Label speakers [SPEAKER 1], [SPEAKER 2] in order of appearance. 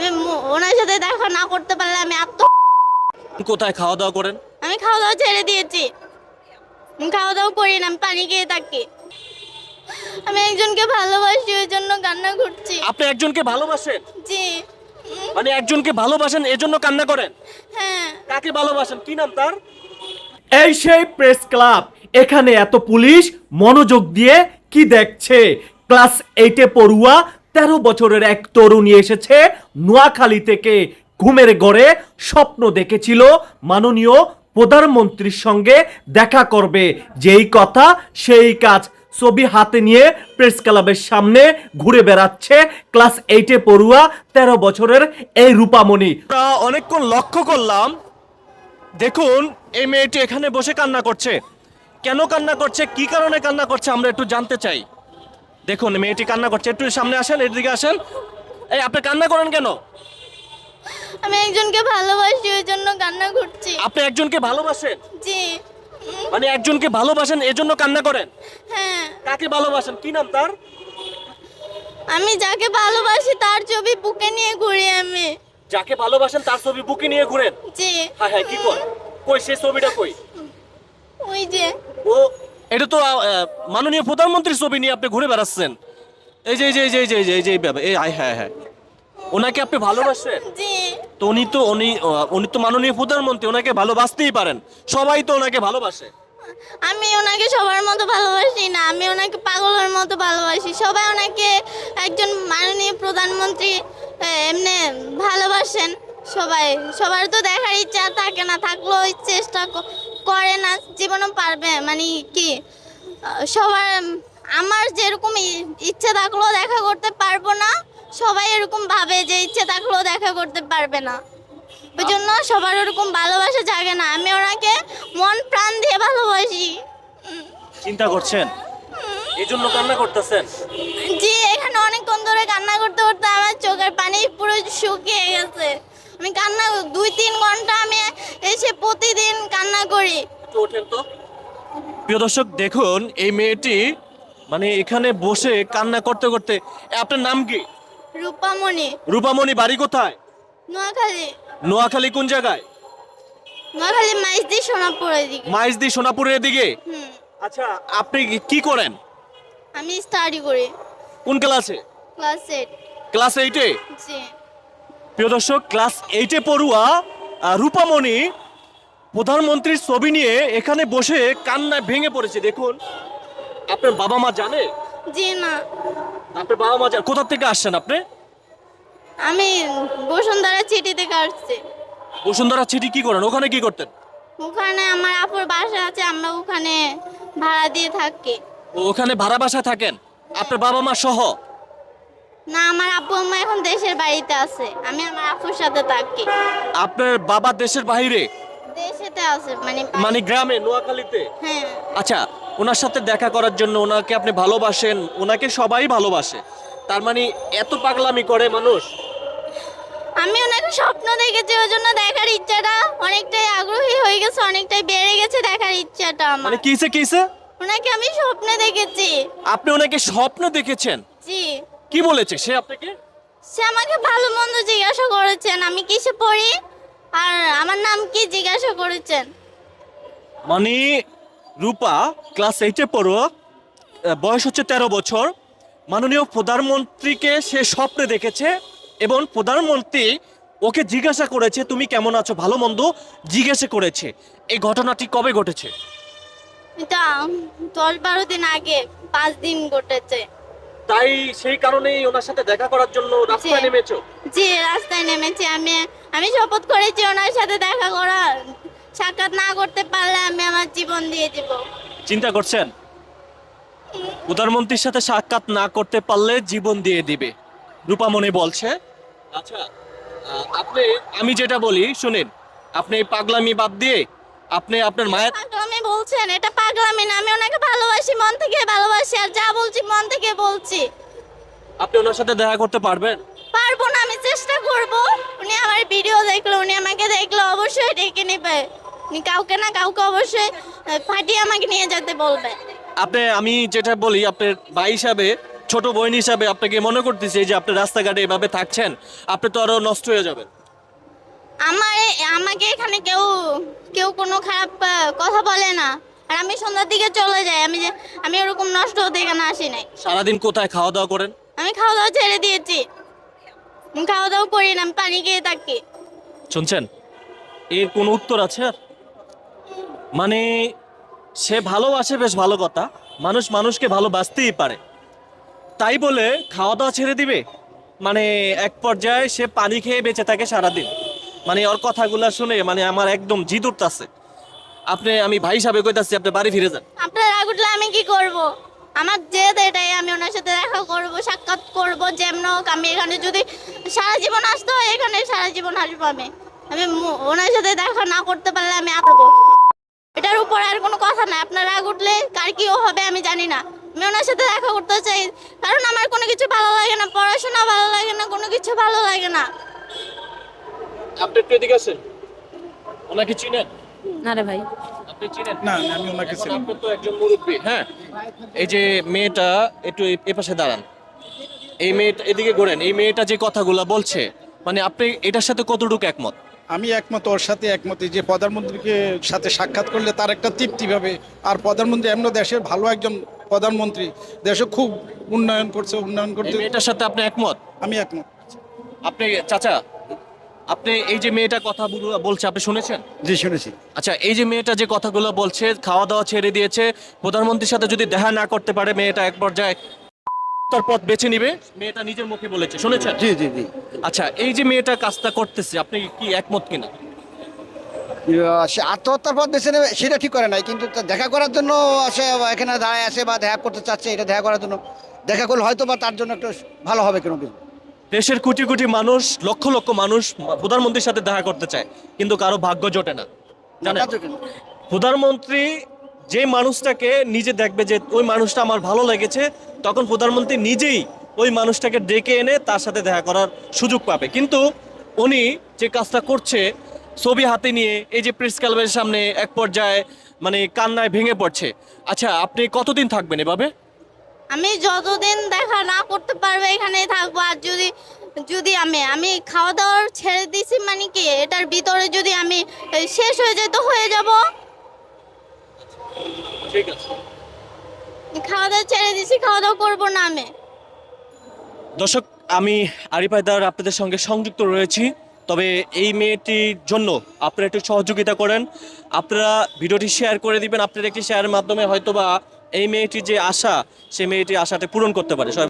[SPEAKER 1] আমি ওনার সাথে দেখা না করতে পারলে আমি
[SPEAKER 2] কোথায় খাওয়া দাওয়া করেন?
[SPEAKER 1] আমি খাওয়া দাওয়া ছেড়ে দিয়েছি। আমি খাওয়া দাওয়া করি না, আমি পানি খেয়ে থাকি। আমি একজনকে ভালোবাসি, ওই জন্য কান্না করছি।
[SPEAKER 2] আপনি একজনকে ভালোবাসেন?
[SPEAKER 1] জি।
[SPEAKER 2] মানে একজনকে ভালোবাসেন এজন্য কান্না করেন?
[SPEAKER 1] হ্যাঁ।
[SPEAKER 2] কাকে ভালোবাসেন, কি নাম তার?
[SPEAKER 3] এই সেই প্রেস ক্লাব, এখানে এত পুলিশ মনোযোগ দিয়ে কি দেখছে? ক্লাস 8-এ পড়ুয়া 13 বছরের এক তরুণী এসেছে নোয়াখালী থেকে। ঘুমের ঘরে স্বপ্ন দেখেছিল মাননীয় প্রধানমন্ত্রীর সঙ্গে দেখা করবে, যেই কথা সেই কাজ। ছবি হাতে নিয়ে প্রেস ক্লাবের সামনে ঘুরে বেড়াচ্ছে ক্লাস 8-এ পড়ুয়া 13 বছরের এই রূপামণি।
[SPEAKER 2] আমরা অনেকক্ষণ লক্ষ্য করলাম, দেখুন এই মেয়েটি এখানে বসে কান্না করছে। কেন কান্না করছে, কি কারণে কান্না করছে আমরা একটু জানতে চাই। দেখুন মেয়েটি কান্না করছে, একটু সামনে আসেন, এদিকে আসেন। এই আপনি কান্না করেন কেন?
[SPEAKER 1] আমি একজনকে ভালোবাসি, ওই জন্য কান্না করছি।
[SPEAKER 2] আপনি একজনকে ভালোবাসেন?
[SPEAKER 1] জি।
[SPEAKER 2] মানে একজনকে ভালোবাসেন এজন্য কান্না করেন?
[SPEAKER 1] হ্যাঁ।
[SPEAKER 2] কাকে ভালোবাসেন, কি নাম তার?
[SPEAKER 1] আমি যাকে ভালোবাসি তার ছবি বুকে নিয়ে ঘুরি আমি।
[SPEAKER 2] যাকে ভালোবাসেন তার ছবি বুকে নিয়ে ঘুরেন?
[SPEAKER 1] জি।
[SPEAKER 2] হ্যাঁ হ্যাঁ, কি কর, কই সেই ছবিটা কই?
[SPEAKER 1] ওই যে।
[SPEAKER 2] ও, এটা তো মাননীয় প্রধানমন্ত্রীর ছবি নিয়ে আপনি ঘুরে বেড়াচ্ছেন। এই যে এই যে এই যে এই যে এই যে এই যে ব্যাপার, এই হ্যাঁ হ্যাঁ, ওনাকে আপনি ভালোবাসেন?
[SPEAKER 1] জি।
[SPEAKER 2] তো উনি তো মাননীয় প্রধানমন্ত্রী, ওনাকে ভালোবাসতেই পারেন, সবাই তো ওনাকে ভালোবাসে।
[SPEAKER 1] আমি ওনাকে সবার মতো ভালোবাসি না, আমি ওনাকে পাগলের মতো ভালোবাসি। সবাই ওনাকে একজন মাননীয় প্রধানমন্ত্রী এমনি ভালোবাসেন সবাই। সবার তো দেখার ইচ্ছা থাকে না, থাকলেও চেষ্টা করে না, জীবনও পারবে মানে কি সবার। আমার যেরকম ইচ্ছে থাকলেও দেখা করতে পারবো না, সবাই এরকম ভাবে যে ইচ্ছে থাকলেও দেখা করতে পারবে না। ওই জন্য সবার ওরকম ভালোবাসা জাগে না। আমি ওনাকে মন প্রাণ দিয়ে ভালোবাসি।
[SPEAKER 2] চিন্তা করছেন, এই জন্য কান্না করতেছেন?
[SPEAKER 1] জি, এখানে অনেকক্ষণ ধরে কান্না করতে করতে আমার চোখের পানি পুরো শুকিয়ে গেছে। আমি কান্না 2-3 ঘন্টা আমি এসে প্রতিদিন কান্না করি।
[SPEAKER 2] একটু ওঠেন তো। প্রিয় দর্শক দেখুন, এই মেয়েটি মানে এখানে বসে কান্না করতে করতে। আপনার নাম কি?
[SPEAKER 1] রূপামণি।
[SPEAKER 2] রূপামণি, বাড়ি কোথায়?
[SPEAKER 1] নোয়াখালী।
[SPEAKER 2] নোয়াখালী কোন জায়গায়?
[SPEAKER 1] নোয়াখালী মাইজদি সোনাপুরের দিকে।
[SPEAKER 2] মাইজদি সোনাপুরের দিকে?
[SPEAKER 1] হুম।
[SPEAKER 2] আচ্ছা, আপনি কি করেন?
[SPEAKER 1] আমি স্টাডি করি
[SPEAKER 2] কোন ক্লাসে?
[SPEAKER 1] ক্লাস 8।
[SPEAKER 2] ক্লাস 8-এ?
[SPEAKER 1] জি।
[SPEAKER 2] প্রিয় দর্শক, ক্লাস 8-এ পড়ুয়া রূপামণি প্রধানমন্ত্রীর ছবি নিয়ে এখানে বসে কান্নায় ভেঙে পড়েছে। দেখুন, আপনার বাবা মা জানে?
[SPEAKER 1] জি না।
[SPEAKER 2] আপনার বাবা মা জানে? কোথা থেকে আসছেন আপনি?
[SPEAKER 1] আমি বসুন্ধরা চিঠি থেকে আসছি।
[SPEAKER 2] বসুন্ধরা চিঠি কি করেন, ওখানে কি করতেন?
[SPEAKER 1] ওখানে আমার আপুর বাসা আছে, আমরা ওখানে ভাড়া দিয়ে থাকি।
[SPEAKER 2] ওখানে ভাড়া বাসায় থাকেন আপনার বাবা মা সহ?
[SPEAKER 1] না, আমার আব্বু আম্মা এখন দেশের বাড়িতে আছে, আমি আমার আপুর সাথে থাকি।
[SPEAKER 2] আপনার বাবা দেশের বাইরে?
[SPEAKER 1] দেশেতে আছে মানে
[SPEAKER 2] মানে গ্রামে, নোয়াখালীতে?
[SPEAKER 1] হ্যাঁ।
[SPEAKER 2] আচ্ছা, ওনার সাথে দেখা করার জন্য ওনাকে আপনি ভালোবাসেন, ওনাকে সবাই ভালোবাসে, তার মানে এত পাগলামি করে মানুষ?
[SPEAKER 1] আমি ওনাকে স্বপ্ন দেখেছি, ওই জন্য দেখার ইচ্ছাটা অনেকটাই আগ্রহী হয়ে গেছে, অনেকটাই বেড়ে গেছে দেখার ইচ্ছাটা আমার।
[SPEAKER 2] মানে কিসে কিসে?
[SPEAKER 1] ওনাকে আমি স্বপ্নে দেখেছি।
[SPEAKER 2] আপনি ওনাকে স্বপ্ন দেখেছেন?
[SPEAKER 1] জি।
[SPEAKER 2] কি বলেছে সে আপনাকে?
[SPEAKER 1] সে আমাকে ভালো মন্দ জিজ্ঞাসা করেছেন, আমি কিসে পড়ি আর আমার নাম কি জিজ্ঞাসা করেছেন।
[SPEAKER 2] মানে রূপা ক্লাস 8-এ পড়ো, বয়স হচ্ছে 13 বছর। মাননীয় প্রধানমন্ত্রীকে সে স্বপ্নে দেখেছে এবং প্রধানমন্ত্রী ওকে জিজ্ঞাসা করেছে তুমি কেমন আছো, ভালো মন্দ জিজ্ঞাসা করেছে। এই ঘটনাটি কবে ঘটেছে?
[SPEAKER 1] এটা 10-12 দিন আগে, 5 দিন ঘটেছে।
[SPEAKER 2] তাই সেই কারণেই ওনার সাথে দেখা করার জন্য রাস্তায়
[SPEAKER 1] জি।
[SPEAKER 2] নেমেছো?
[SPEAKER 1] জি, রাস্তায় নেমেছি। আমি শপথ করেছি ওনার সাথে দেখা করা, সাক্ষাৎ না করতে পারলে আমি আমার জীবন দিয়ে দেব।
[SPEAKER 2] চিন্তা করছেন, প্রধানমন্ত্রীর সাথে সাক্ষাৎ না করতে পারলে জীবন দিয়ে দিবে, রূপামণি বলছে। আচ্ছা, আমি যেটা বলি শুনেন, আপনি এই পাগলামি বাদ দিয়ে আপনি আপনার মায়ের।
[SPEAKER 1] পাগলামি বলছেন? এটা পাগলামি না, আমি ওনাকে ভালোবাসি, মন থেকে ভালোবাসি, আর যা বলছি মন থেকে বলছি।
[SPEAKER 2] আপনি ওনার সাথে দেখা করতে পারবেন?
[SPEAKER 1] পারবো না, আমি চেষ্টা করব। উনি আমার ভিডিও দেখলো, উনি আমাকে দেখলো, অবশ্যই ডেকে নেবে। উনি কাউকে না কাউকে অবশ্যই ফাটিয়ে আমাকে নিয়ে যেতে বলবে।
[SPEAKER 2] আমি যেটা বলি, আপনার ভাই হিসাবে ছোট বোন হিসাবে আপনাকে মনে করতেছি এই যে আপনি রাস্তাঘাটে এভাবে থাকছেন, আপনি তো আরো নষ্ট হয়ে যাবেন।
[SPEAKER 1] আমাকে এখানে কেউ কেউ কোনো খারাপ কথা বলে না। আর আমি সন্ধ্যার দিকে চলে যাই। আমি ওরকম নষ্ট হতে এখানে আসি নাই।
[SPEAKER 2] সারাদিন কোথায় খাওয়া দাওয়া করেন?
[SPEAKER 1] আমি খাওয়া দাওয়া ছেড়ে দিয়েছি। আমি খাওয়া দাওয়া করি না, আমি পানি খেয়ে থাকি।
[SPEAKER 2] শুনছেন, এর কোনো উত্তর আছে আর? মানে সে ভালোবাসে, বেশ ভালো কথা, মানুষ মানুষকে ভালোবাসতেই পারে, তাই বলে খাওয়া দাওয়া ছেড়ে দিবে? মানে এক পর্যায়ে সে পানি খেয়ে বেঁচে থাকে সারাদিন। মানে ওর কথাগুলো শুনে মানে আমার একদম জিদ উঠতাছে। আমি ভাই হিসাবে কইতাছি, আপনি বাড়ি ফিরে যান।
[SPEAKER 1] আপনার রাগ উঠলে আমি কি করব? আমার জেদ এটাই, আমি ওনার সাথে দেখা করব, সাক্ষাৎ করব, যেমন হোক। আমি এখানে যদি সারা জীবন আসতে হয়, এখানে সারা জীবন আসবো। ওনার সাথে দেখা না করতে পারলে আমি আসবো। এটার উপর আর কোনো কথা নাই। আপনার রাগ উঠলে কার কি হবে আমি জানি না। আমি ওনার সাথে দেখা করতে চাই, কারণ আমার কোনো কিছু ভালো লাগে না, পড়াশোনা ভালো লাগে না, কোনো কিছু ভালো লাগে না।
[SPEAKER 2] আপনি একটু এদিকে আসেন। ওনাকে চিনেন?
[SPEAKER 4] না রে ভাই।
[SPEAKER 2] আপনি চিনেন?
[SPEAKER 5] না না, আমি ওনাকে
[SPEAKER 2] এখন
[SPEAKER 5] চিনি না।
[SPEAKER 2] আপনি তো একজন মুরব্বী, হ্যাঁ। এই যে মেয়েটা, একটু এ পাশে দাঁড়ান। এই মেয়েটা এদিকে ঘোরেন। এই মেয়েটা যে কথাগুলো বলছে, মানে আপনি এটার সাথে কতটুকু একমত?
[SPEAKER 5] আমি একমত, ওর সাথে একমত। এই যে প্রধানমন্ত্রীকে সাথে সাক্ষাৎ করলে তার একটা তৃপ্তি পাবে। আর প্রধানমন্ত্রী এমন দেশের ভালো একজন প্রধানমন্ত্রী, দেশে খুব উন্নয়ন
[SPEAKER 2] এই
[SPEAKER 5] করতে
[SPEAKER 2] মেয়েটার সাথে আপনি একমত?
[SPEAKER 5] আমি একমত।
[SPEAKER 2] আপনি চাচা, আপনি এই যে মেয়েটা কথাগুলো বলছে আপনি শুনেছেন?
[SPEAKER 6] জি শুনেছি।
[SPEAKER 2] আচ্ছা, এই যে মেয়েটা যে কথাগুলো বলছে, খাওয়া দাওয়া ছেড়ে দিয়েছে, প্রধানমন্ত্রীর সাথে যদি দেখা না করতে পারে মেয়েটা এক পর্যায়ে তার পথ বেছে নিবে, মেয়েটা নিজের মুখে বলেছে, শুনেছেন?
[SPEAKER 6] জি জি জি।
[SPEAKER 2] আচ্ছা, এই যে মেয়েটা কাজটা করতেছে, আপনি কি একমত কিনা?
[SPEAKER 6] সে আত্মহত্যার পথ বেছে নেবে সেটা ঠিক করে নাই, কিন্তু তার দেখা করার জন্য সে এখানে দাঁড়ায় আছে বা দেখা করতে চাচ্ছে, এটা দেখা করার জন্য দেখা করলে হয়তো বা তার জন্য একটু ভালো হবে কোনো কিছু।
[SPEAKER 2] দেশের কোটি কোটি মানুষ, লক্ষ লক্ষ মানুষ প্রধানমন্ত্রীর সাথে দেখা করতে চায়, কিন্তু কারো ভাগ্য জোটে না, জানেন? প্রধানমন্ত্রী যে মানুষটাকে নিজে দেখবে যে ওই মানুষটা আমার ভালো লেগেছে, তখন প্রধানমন্ত্রী নিজেই ওই মানুষটাকে ডেকে এনে তার সাথে দেখা করার সুযোগ পাবে। কিন্তু উনি যে কাজটা করছে, ছবি হাতে নিয়ে এই যে প্রেস ক্লাবের সামনে এক পর্যায়ে মানে কান্নায় ভেঙে পড়ছে। আচ্ছা, আপনি কতদিন থাকবেন এভাবে?
[SPEAKER 1] আমি যতদিন দেখা না করতে পারবো এখানেই থাকবো। আর যদি যদি আমি খাওয়া দাওয়ার ছেড়ে দিছি, মানে কি এটার ভিতরে যদি আমি শেষ হয়ে যায় তো হয়ে যাব।
[SPEAKER 2] ঠিক আছে।
[SPEAKER 1] খাওয়া দাওয়া ছেড়ে দিছি, খাওয়া দাওয়া করবো না আমি।
[SPEAKER 2] দর্শক, আমি আরিফ হায়দার আপনাদের সঙ্গে সংযুক্ত রয়েছি। তবে এই মেয়েটির জন্য আপনারা একটু সহযোগিতা করেন, আপনারা ভিডিওটি শেয়ার করে দিবেন। আপনার একটি শেয়ারের মাধ্যমে হয়তোবা এই মেয়েটির যে আশা, সেই মেয়েটির আশাটা পূরণ করতে পারে। সবাই